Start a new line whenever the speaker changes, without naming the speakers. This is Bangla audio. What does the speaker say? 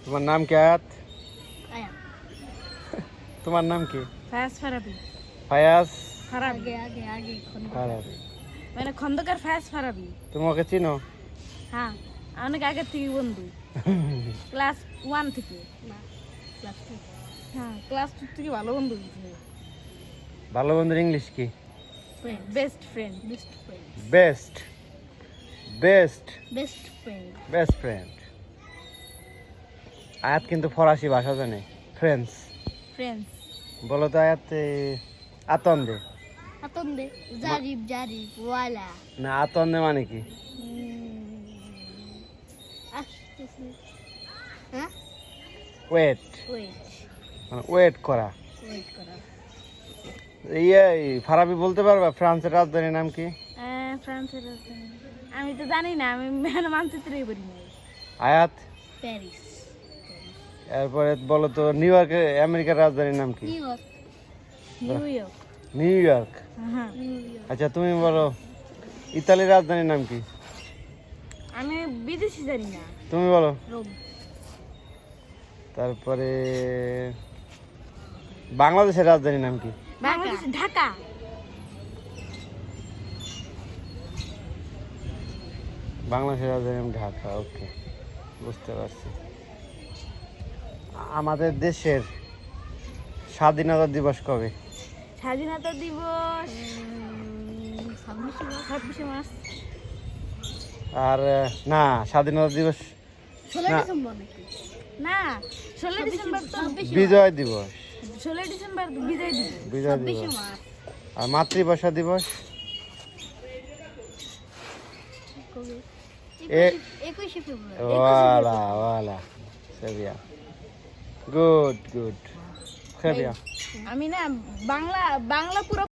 তোমার নাম কি আয়াত?
আয়া
তোমার নাম কি?
ফায়াজ ফারাবি।
ফায়াজ
ফারাবি
আগে
ফারাবি।
মানে খন্দকার ফায়াজ ফারাবি।
তুমি ওকে চিনো?
হ্যাঁ, অনেক আগের থেকে বন্ধু, ক্লাস 1 থেকে।
না ক্লাস 2
হ্যাঁ, ক্লাস 2 থেকে ভালো বন্ধু হয়েছে।
ভালো বন্ধুর ইংলিশ কি?
Best friend.
Best friend
best best
best friend
best friend. Ayat কিন্তু ফরাসি ভাষা জানে, ফ্রেন্স।
ফ্রেন্ডস
বলো তো আয়াত, আতন্দে
আতন্দে জারিব ওয়ালা
না, আতন্দে মানে কি?
আসতেছে হ্যাঁ
ওয়েট,
ওয়েট
মানে ওয়েট করা।
ওয়েট করা
ফারাবি বলতে পারবা ফ্রান্সের রাজধানীর নাম কি?
ফ্রান্সের রাজধানী আমি তো জানি না, আমি মানচিত্রই করি না।
আয়াত,
প্যারিস
এরপরে বলো তো নিউ ইয়র্কের আমেরিকার রাজধানীর নাম কি?
New York
New York.
New York.
হ্যাঁ,
নিউ ইয়র্ক
আচ্ছা তুমি বলো ইতালির রাজধানীর নাম কি?
আমি বিদেশি জানি না।
তুমি বলো।
রোম
তারপরে বাংলাদেশের রাজধানীর নাম কি?
বাংলাদেশ ঢাকা।
বাংলাদেশের রাজধানীর নাম ঢাকা। ওকে, বুঝতে পারছি। আমাদের দেশের স্বাধীনতা দিবস কবে?
স্বাধীনতা দিবস
26
26 মার্চ।
আর না, স্বাধীনতা দিবস
16
না।
ডিসেম্বর নাকি
না, 16 ডিসেম্বর তো
বিজয় দিবস।
16 ডিসেম্বর বিজয় দিবস।
বিজয়
26
দিবস।
মার্চ
আর মাতৃভাষা দিবস?
কবে
এ-
21 ফেব্রুয়ারি
ওয়ালা ওয়ালা, সেবিয়া, গুড গুড, সেবিয়া।
আমি না বাংলা পুরো